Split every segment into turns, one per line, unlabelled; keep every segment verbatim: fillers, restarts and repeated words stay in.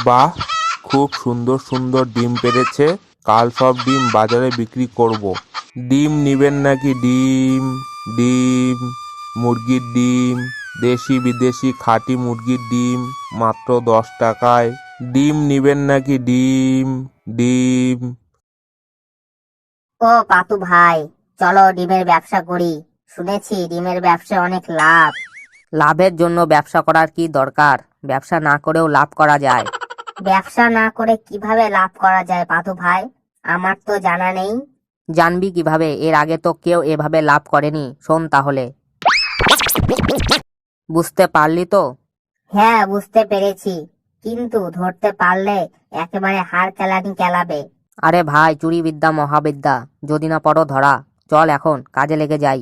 বাহ, খুব সুন্দর সুন্দর ডিম পেড়েছে। কাল সব ডিম বাজারে বিক্রি করব। ডিম নিবেন নাকি? ডিম ডিম মুরগির ডিম, দেশি বিদেশি খাঁটি মুরগির ডিম মাত্র দশ টাকায়। ডিম নিবেন নাকি? ডিম ডিম
ও পাতু ভাই, চলো ডিমের ব্যবসা করি। শুনেছি ডিমের ব্যবসা অনেক লাভ।
লাভের জন্য ব্যবসা করার কি দরকার? ব্যবসা না করেও লাভ করা যায়।
ব্যবসা না করে কিভাবে লাভ করা যায় পাতু ভাই? আমার তো জানা নেই।
জানবি কিভাবে? এর আগে তো কেউ এভাবে লাভ করেনি। শোন তাহলে। বুঝতে পারলি তো?
হ্যাঁ, বুঝতে পেরেছি, কিন্তু ধরতে পারলে একেবারে হাড় কেলানি কেলাবে।
আরে ভাই, চুরি বিদ্যা মহাবিদ্যা, যদি না পড়ো ধরা। চল এখন কাজে লেগে যাই।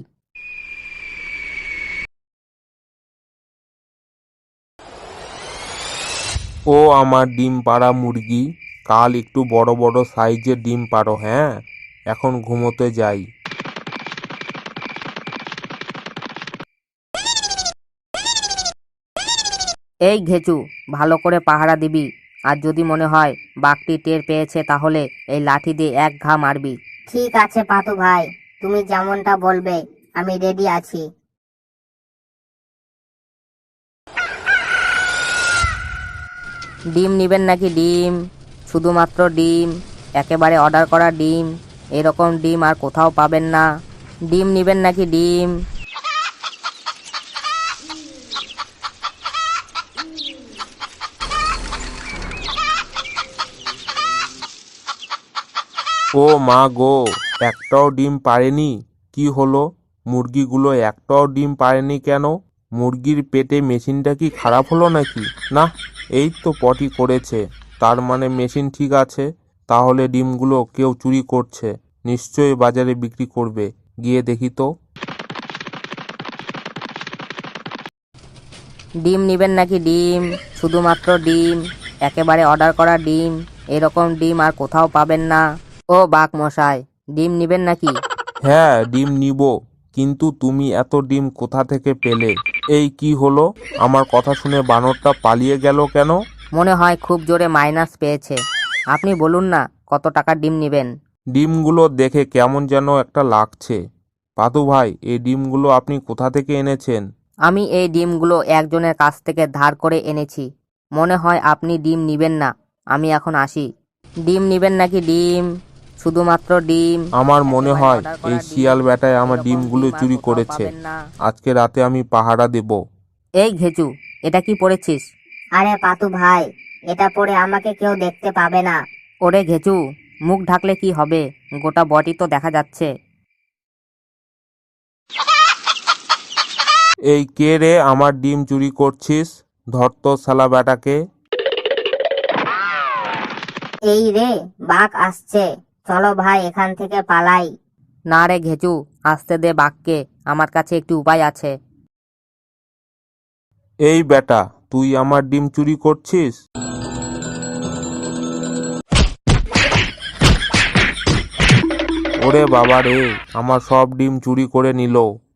ও আমার ডিম পাড়া মুরগি, কাল একটু বড় বড় সাইজের ডিম পাড়ো। হ্যাঁ, এখন ঘুমোতে যাই।
এই ঘেচু, ভালো করে পাহারা দিবি। আর যদি মনে হয় বাঘটি টের পেয়েছে, তাহলে এই লাঠি দিয়ে এক ঘা মারবি।
ঠিক আছে পাতু ভাই, তুমি যেমনটা বলবে আমি রেডি আছি।
ডিম নিবেন নাকি? ডিম, শুধুমাত্র ডিম, একেবারে অর্ডার করা ডিম। এরকম ডিম আর কোথাও পাবেন না। ডিম নিবেন নাকি? ডিম।
ও মা গো, একটাও ডিম পাড়েনি। কি হলো? মুরগিগুলো একটাও ডিম পাড়েনি কেন? মুরগির পেটে মেশিনটা কি খারাপ হলো নাকি? না, এই তো পটি করেছে, তার মানে মেশিন ঠিক আছে। তাহলে ডিমগুলো কেউ চুরি করছে, নিশ্চয়ই বাজারে বিক্রি করবে। গিয়ে দেখি তো।
ডিম নিবেন নাকি? ডিম, শুধুমাত্র ডিম, একেবারে অর্ডার করা ডিম। এরকম ডিম আর কোথাও পাবেন না। ও বাঘ মশাই, ডিম নিবেন নাকি?
হ্যাঁ, ডিম নিব, কিন্তু তুমি এত ডিম কোথা থেকে পেলে? এই কি হলো? আমার কথা শুনে বানরটা পালিয়ে গেল কেন?
মনে হয় খুব জোরে মাইনাস পেয়েছে। আপনি বলুন না কত টাকার ডিম নিবেন?
ডিমগুলো দেখে কেমন যেন একটা লাগছে। পাদু ভাই, এই ডিমগুলো আপনি কোথা থেকে এনেছেন?
আমি এই ডিমগুলো একজনের কাছ থেকে ধার করে এনেছি। মনে হয় আপনি ডিম নিবেন না। আমি এখন আসি। ডিম নিবেন নাকি? ডিম, শুধুমাত্র ডিম।
আমার মনে
একেবারে
হয়
অর্ডার করা
এই
ডিম।
শিয়াল বেটায় আমার
এরকম
ডিমগুলো
ডিম আর
চুরি
কোথাও
করেছে।
পাবেন না।
আজকে রাতে আমি পাহারা দেব।
এই ঘেচু, এটা কি পড়েছিস?
আরে পাতু ভাই, এটা পরে আমাকে কেউ দেখতে পাবে না।
ওরে ঘেচু, মুখ ঢাকলে কি হবে? গোটা বডি তো দেখা যাচ্ছে।
এই কে রে আমার ডিম চুরি করছিস? ধর তো শালা বেটাকে।
এই রে, বাঘ আসছে, চলো ভাই এখান থেকে পালাই।
না রে ঘেচু, আসতে দে বাঘকে। আমার কাছে একটি উপায় আছে।
এই বেটা, তুই আমার ডিম চুরি করছিস? ওরে বাবা রে, আমার সব ডিম চুরি করে নিল।